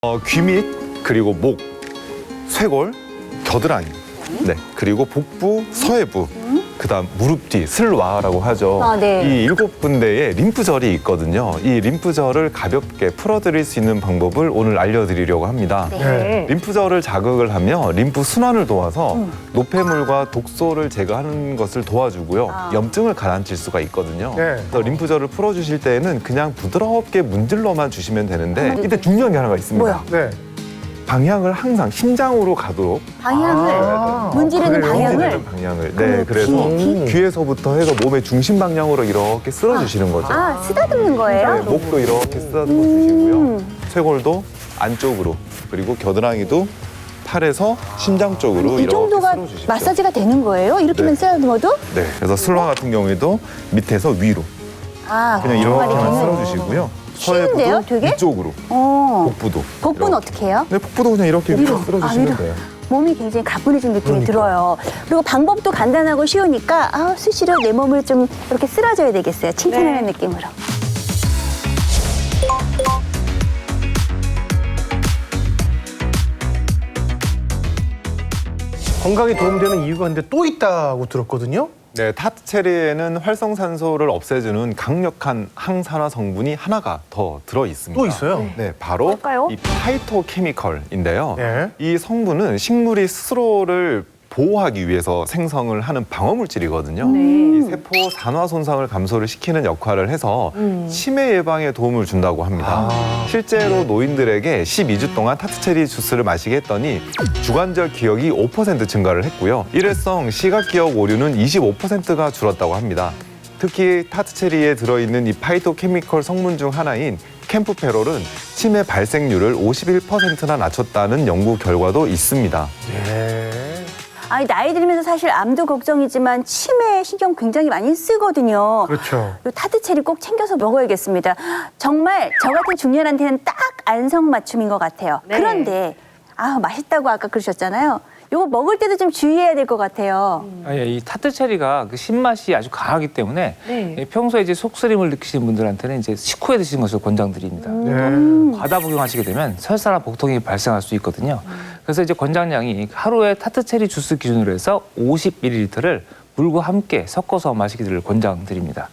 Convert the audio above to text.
귀 밑, 그리고 목, 쇄골, 겨드랑이, 네, 그리고 복부, 서해부, 그다음 무릎 뒤, 슬와라고 하죠. 아, 네. 이 7군데의 림프절이 있거든요. 이 림프절을 가볍게 풀어드릴 수 있는 방법을 오늘 알려드리려고 합니다. 네. 림프절을 자극을 하며 림프 순환을 도와서 노폐물과 독소를 제거하는 것을 도와주고요. 아. 염증을 가라앉힐 수가 있거든요. 네. 그래서 림프절을 풀어주실 때에는 그냥 부드럽게 문질러만 주시면 되는데 이때 중요한 게 하나가 있습니다. 뭐야? 네. 방향을 항상 심장으로 가도록 방향을 문지르는 그래요? 방향을 문지르는 방향을. 네, 그러면 그래서 귀? 귀에서부터 해서 몸의 중심 방향으로 이렇게 쓸어주시는 거죠. 아 쓰다듬는 거예요? 네, 목도 이렇게 쓰다듬어 주시고요. 쇄골도 안쪽으로, 그리고 겨드랑이도 팔에서 심장 쪽으로 이 이렇게 정도가 쓸어주십시오. 마사지가 되는 거예요? 이렇게만 네. 쓰다듬어도? 네, 그래서 슬와 같은 경우에도 밑에서 위로 아 그냥 정말이 이렇게만 되는 쓸어주시고요. 쉬운데요, 서해부도 되게? 위쪽으로, 어. 복부도. 복부는 이렇게. 어떻게 해요? 네, 복부도 그냥 이렇게 위로. 쓸어주시면 아, 위로. 돼요. 몸이 굉장히 가뿐해진 느낌이 들어요. 그리고 방법도 간단하고 쉬우니까 수시로 내 몸을 좀 이렇게 쓸어줘야 되겠어요. 칭찬하는 느낌으로. 건강에 도움되는 이유가 근데 또 있다고 들었거든요. 네, 타트 체리에는 활성산소를 없애주는 강력한 항산화 성분이 하나가 더 들어 있습니다. 또 있어요? 네, 바로 뭘까요? 이 파이토케미컬인데요. 네. 이 성분은 식물이 스스로를 보호하기 위해서 생성을 하는 방어물질이거든요. 이 세포 산화 손상을 감소를 시키는 역할을 해서 치매 예방에 도움을 준다고 합니다. 실제로 노인들에게 12주 동안 타트체리 주스를 마시게 했더니 주관절 기억이 5% 증가를 했고요. 일회성 시각 기억 오류는 25%가 줄었다고 합니다. 특히 타트체리에 들어있는 이 파이토케미컬 성분 중 하나인 캠프페롤은 치매 발생률을 51%나 낮췄다는 연구 결과도 있습니다. 네. 아니 나이 들면서 사실 암도 걱정이지만 치매에 신경 굉장히 많이 쓰거든요. 그렇죠. 이 타트체리 꼭 챙겨서 먹어야겠습니다. 정말 저 같은 중년한테는 딱 안성맞춤인 것 같아요. 그런데 맛있다고 아까 그러셨잖아요. 이거 먹을 때도 좀 주의해야 될 것 같아요. 이 타트 체리가 그 신맛이 아주 강하기 때문에 평소에 이제 속쓰림을 느끼시는 분들한테는 이제 식후에 드시는 것을 권장드립니다. 네. 과다 복용하시게 되면 설사나 복통이 발생할 수 있거든요. 그래서 이제 권장량이 하루에 타트 체리 주스 기준으로 해서 50ml를 물과 함께 섞어서 마시기를 권장드립니다.